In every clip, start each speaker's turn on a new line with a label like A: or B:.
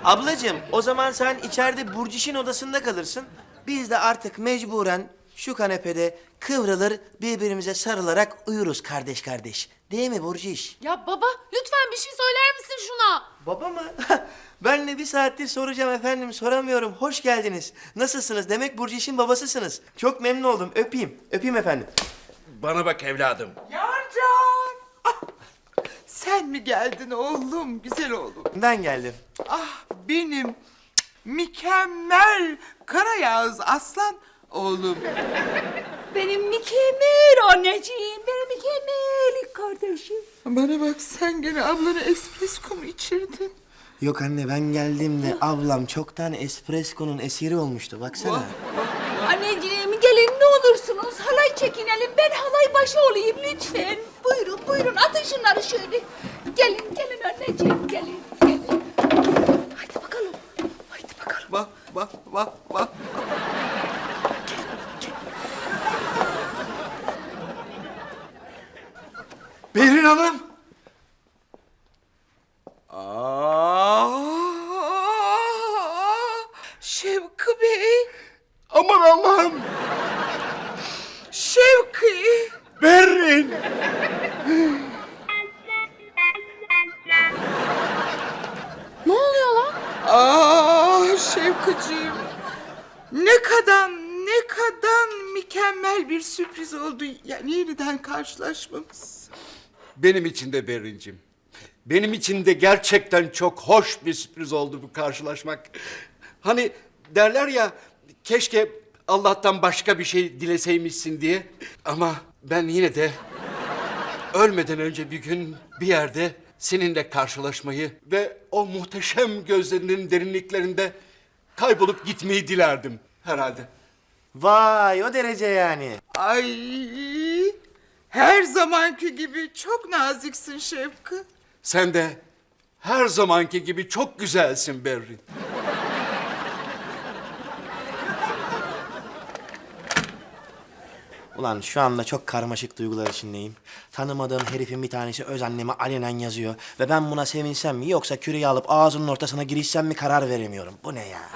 A: Ablacığım, o zaman sen içeride Burciş'in odasında kalırsın. Biz de artık mecburen şu kanepede kıvrılır, birbirimize sarılarak uyuruz kardeş kardeş. Değil mi Burciş?
B: Ya baba lütfen bir şey söyler misin şuna?
A: Baba mı? Ben de bir saattir soracağım efendim, soramıyorum. Hoş geldiniz. Nasılsınız? Demek Burciş'in babasısınız. Çok memnun oldum. Öpeyim. Öpeyim efendim.
C: Bana bak evladım.
D: Yarcan! Ah, sen mi geldin oğlum, güzel oğlum?
A: Ben geldim.
D: Ah, benim mükemmel Karayağız aslan oğlum.
E: Benim mükemmel anneciğim, benim mükemmel kardeşim.
D: Bana bak, sen gene ablana espresso mu içirdin?
A: Yok anne, ben geldiğimde ablam çoktan espresso'nun esiri olmuştu. Baksana.
E: Anneciğim gelin ne olursunuz halay çekinelim, ben halay başı olayım lütfen. Buyurun buyurun atın şunları şöyle. Gelin gelin anneciğim gelin gelin. Haydi bakalım, haydi bakalım.
D: Bak, bak, bak, bak.
C: Berin Hanım.
D: Şevki Bey,
C: Aman Allah'ım.
D: Şevki.
C: Berin.
B: Ne oluyor lan?
D: Şevkiciğim. Ne kadar mükemmel bir sürpriz oldu. Yani yeniden karşılaşmamız.
C: Benim için de Berincim. Benim için de gerçekten çok hoş bir sürpriz oldu bu karşılaşmak. Hani derler ya, keşke Allah'tan başka bir şey dileseymişsin diye. Ama ben yine de ölmeden önce bir gün bir yerde seninle karşılaşmayı ve o muhteşem gözlerinin derinliklerinde kaybolup gitmeyi dilerdim herhalde.
A: Vay, o derece yani.
D: Ay, her zamanki gibi çok naziksin Şevki.
C: Sen de her zamanki gibi çok güzelsin Berrin.
A: Ulan şu anda çok karmaşık duygular içindeyim. Tanımadığım herifin bir tanesi öz anneme alenen yazıyor. Ve ben buna sevinsem mi yoksa küreği alıp ağzının ortasına girişsem mi karar veremiyorum. Bu ne ya?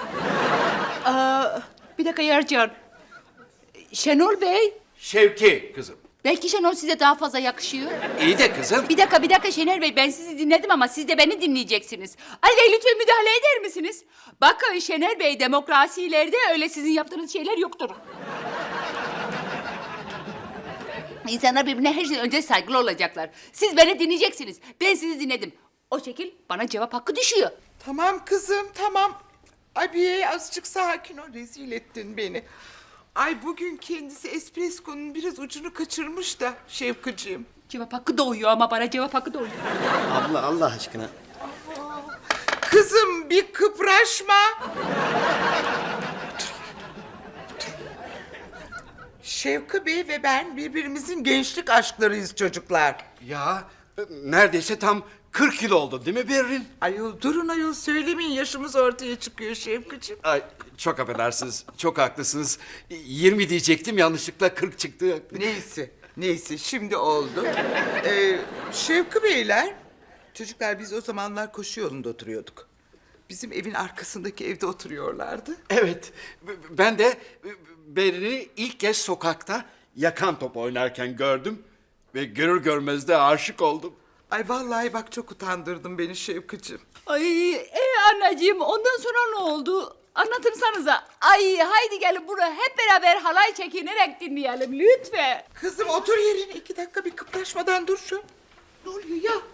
E: Bir dakika Yarcan. Şenol Bey,
C: Şevki kızım.
E: belki Şenol size daha fazla yakışıyor.
C: İyi de kızım.
E: Bir dakika Şener Bey, ben sizi dinledim ama siz de beni dinleyeceksiniz. Ali Bey lütfen müdahale eder misiniz? Bakın Şener Bey, demokrasilerde öyle sizin yaptığınız şeyler yoktur. İnsanlar birbirine her şeyden önce saygılı olacaklar. Siz beni dinleyeceksiniz. Ben sizi dinledim. O şekil bana cevap hakkı düşüyor.
D: Tamam kızım, tamam. Abiye azıcık sakin ol, rezil ettin beni. Ay, bugün kendisi espresso'nun biraz ucunu kaçırmış da Şevkiciğim.
E: Cevap hakkı doğuyor ama bana cevap hakkı doğuyor.
A: Abla Allah aşkına.
D: Kızım bir kıpraşma. Şevki Bey ve ben birbirimizin gençlik aşklarıyız çocuklar.
C: Ya neredeyse tam 40 yıl oldu değil mi Berrin?
D: Ayol durun ayol, söylemeyin, yaşımız ortaya çıkıyor Şevkiciğim.
C: Ay çok affedersiniz, çok haklısınız. 20 diyecektim, yanlışlıkla 40 çıktı.
D: Neyse şimdi oldu. Şevki Beyler, çocuklar biz o zamanlar koşu yolunda oturuyorduk. Bizim evin arkasındaki evde oturuyorlardı.
C: Evet, ben de Berrin'i ilk kez sokakta yakan top oynarken gördüm. Ve görür görmez de aşık oldum.
D: Ay vallahi bak, çok utandırdın beni Şevkiciğim.
E: Ay anneciğim, ondan sonra ne oldu? Anlatırsanıza. Ay haydi gelin buraya hep beraber halay çekinerek dinleyelim lütfen.
D: Kızım otur yerine, 2 dakika bir kıpraşmadan dur şu. Ne oluyor ya?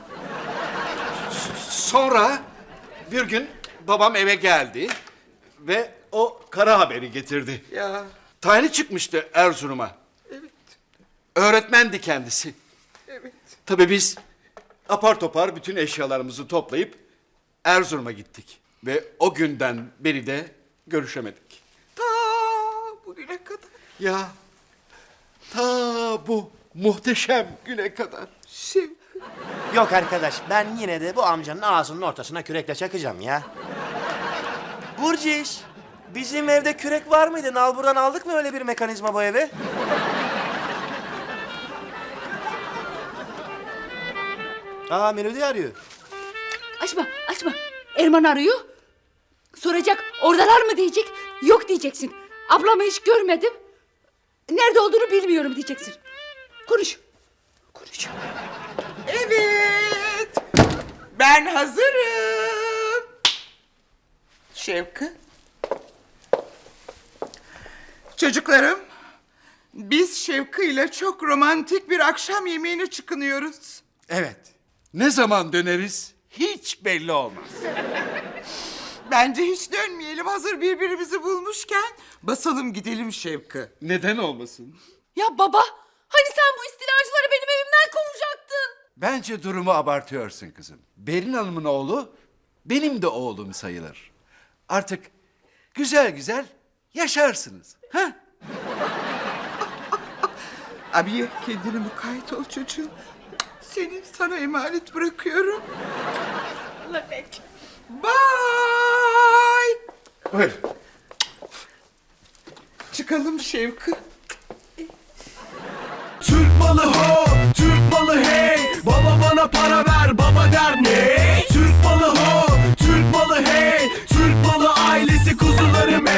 C: Sonra bir gün babam eve geldi ve o kara haberi getirdi.
D: Ya
C: Tayini çıkmıştı Erzurum'a.
D: evet,
C: Öğretmendi kendisi.
D: evet.
C: Tabii biz apar topar bütün eşyalarımızı toplayıp Erzurum'a gittik. Ve o günden beri de görüşemedik.
D: Ta bugüne kadar.
C: Ya ta bu muhteşem güne kadar.
D: Şevki.
A: Yok arkadaş, ben yine de bu amcanın ağzının ortasına kürekle çakacağım ya. Burciş, bizim evde kürek var mıydı? Nalbur'dan aldık mı öyle bir mekanizma bu eve? Aa, Melodi arıyor.
E: Açma. Erman arıyor. Soracak oradalar mı diyecek. Yok diyeceksin. Ablamı hiç görmedim. Nerede olduğunu bilmiyorum diyeceksin. Konuş. Konuş.
D: Evet. Ben hazırım. Şevki. Çocuklarım, biz Şevki ile çok romantik bir akşam yemeğine çıkınıyoruz.
C: Evet. Ne zaman döneriz hiç belli olmaz.
D: Bence hiç dönmeyelim, hazır birbirimizi bulmuşken basalım gidelim Şevki.
C: Neden olmasın?
B: Ya baba, hani sen bu istilacıları benim evimden kovacaktın?
C: Bence durumu abartıyorsun kızım. Berin Hanım'ın oğlu benim de oğlum sayılır. Artık güzel güzel yaşarsınız. Ha?
D: Abiye, kendine mukayyet ol çocuğum. Seni sana emanet bırakıyorum. Bye.
C: Buyur.
D: Çıkalım Şevki.
F: Türk malı ho, Türk malı hey. Baba bana para ver,